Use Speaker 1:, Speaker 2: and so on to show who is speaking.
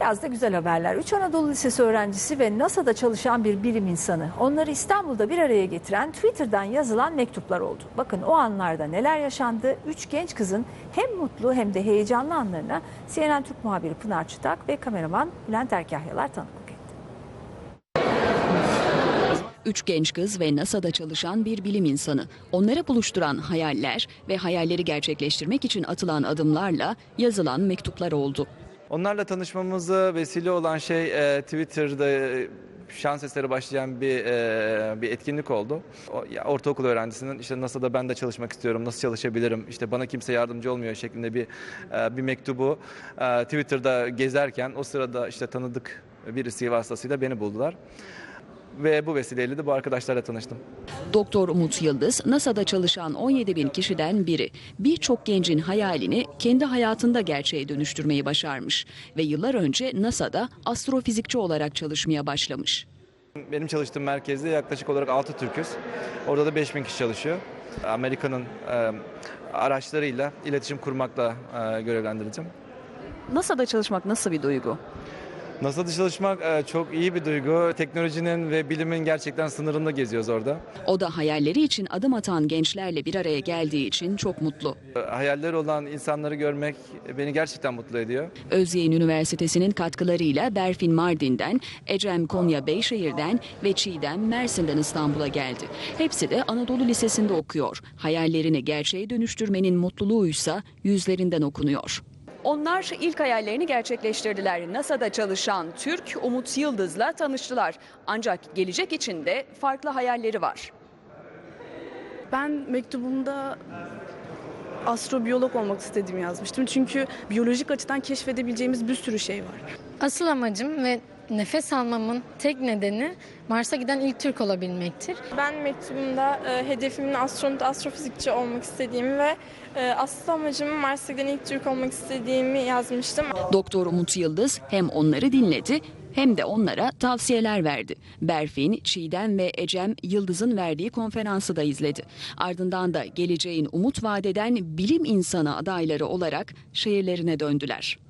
Speaker 1: Biraz da güzel haberler. 3 Anadolu Lisesi öğrencisi ve NASA'da çalışan bir bilim insanı. Onları İstanbul'da bir araya getiren Twitter'dan yazılan mektuplar oldu. Bakın o anlarda neler yaşandı. 3 genç kızın hem mutlu hem de heyecanlı anlarına CNN Türk muhabiri Pınar Çıtak ve kameraman Bülent Erkahyalar tanıklık etti.
Speaker 2: 3 genç kız ve NASA'da çalışan bir bilim insanı. Onları buluşturan hayaller ve hayalleri gerçekleştirmek için atılan adımlarla yazılan mektuplar oldu.
Speaker 3: Onlarla tanışmamıza vesile olan şey Twitter'da şans eseri başlayan bir etkinlik oldu. Ortaokul öğrencisinin işte NASA'da ben de çalışmak istiyorum, nasıl çalışabilirim, işte bana kimse yardımcı olmuyor şeklinde bir mektubu Twitter'da gezerken o sırada işte tanıdık birisi vasıtasıyla beni buldular. Ve bu vesileyle de bu arkadaşlarla tanıştım.
Speaker 2: Doktor Umut Yıldız, NASA'da çalışan 17 bin kişiden biri. Birçok gencin hayalini kendi hayatında gerçeğe dönüştürmeyi başarmış. Ve yıllar önce NASA'da astrofizikçi olarak çalışmaya başlamış.
Speaker 3: Benim çalıştığım merkezde yaklaşık olarak 6 Türk'üz. Orada da 5 bin kişi çalışıyor. Amerika'nın araçlarıyla iletişim kurmakla görevlendireceğim.
Speaker 2: NASA'da çalışmak nasıl bir duygu?
Speaker 3: NASA'da çalışmak çok iyi bir duygu. Teknolojinin ve bilimin gerçekten sınırında geziyoruz orada.
Speaker 2: O da hayalleri için adım atan gençlerle bir araya geldiği için çok mutlu.
Speaker 3: Hayalleri olan insanları görmek beni gerçekten mutlu ediyor.
Speaker 2: Özyeğin Üniversitesi'nin katkılarıyla Berfin Mardin'den, Ecem Konya Beyşehir'den ve Çiğdem Mersin'den İstanbul'a geldi. Hepsi de Anadolu Lisesi'nde okuyor. Hayallerini gerçeğe dönüştürmenin mutluluğuysa yüzlerinden okunuyor. Onlar ilk hayallerini gerçekleştirdiler. NASA'da çalışan Türk Umut Yıldız'la tanıştılar. Ancak gelecek için de farklı hayalleri var.
Speaker 4: Ben mektubumda astrobiyolog olmak istediğimi yazmıştım. Çünkü biyolojik açıdan keşfedebileceğimiz bir sürü şey var.
Speaker 5: Asıl amacım ve nefes almamın tek nedeni Mars'a giden ilk Türk olabilmektir.
Speaker 6: Ben mektubumda hedefimin astronot, astrofizikçi olmak istediğimi ve asıl amacımın Mars'a giden ilk Türk olmak istediğimi yazmıştım.
Speaker 2: Doktor Umut Yıldız hem onları dinledi hem de onlara tavsiyeler verdi. Berfin, Çiğdem ve Ecem Yıldız'ın verdiği konferansı da izledi. Ardından da geleceğin umut vadeden bilim insanı adayları olarak şehirlerine döndüler.